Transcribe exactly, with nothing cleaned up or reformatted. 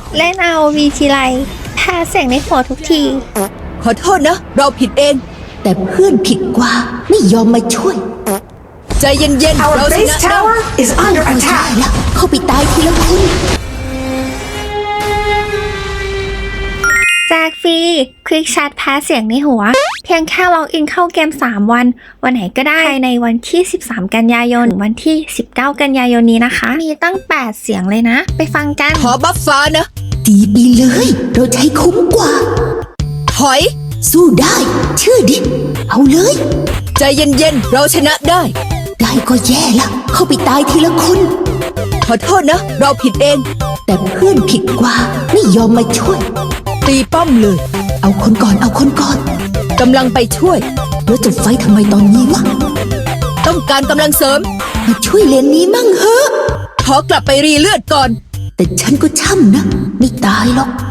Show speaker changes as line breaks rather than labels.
เล่น อาร์ โอ วี ทีไรแพ้เสียงในหัวทุกที
ขอโทษนะเราผิดเอง
แต่เพื่อนผิดกว่าไม่ยอมมาช่วย
ใจเย็นๆ
Our
เราช
base
นะ
tower is under
เอาใช่
attack.
แล้วเข้าไปตายทีละคน
แจกฟรีคลิกแชทแพ้เสียงในหัว เพียงแค่ล็อกอินเข้าเกมสามวันวันไหนก็ได้ในวันที่สิบสามกันยายนถึงวันที่สิบเก้ากันยายนนี้นะคะ มีตั้งแปดเสียงเลยนะไปฟังกัน
ขอบัฟฟ้านะ
ดีไปเลยเราใช้คุ้มกว่า
ถอย
สู้ได้เชื่อดิเอาเลย
ใจเย็นๆเราชนะได้
ได้ก็แย่ละเข้าไปตายทีละคน
ขอโทษนะเราผิดเอง
แต่เพื่อนผิดกว่าไม่ยอมมาช่วย
ตีป้อมเลย
เอาคนก่อนเอาคนก่อน
กำลังไปช่วย
แล้วจะไฟทำไมตอนนี้วะ
ต้องการกำลังเสริม
มาช่วยเลนนี้มั่งเหอะ
ขอกลับไปรีเลือดก่อน
แต่ฉันก็ช่ำนะไม่ตายหรอก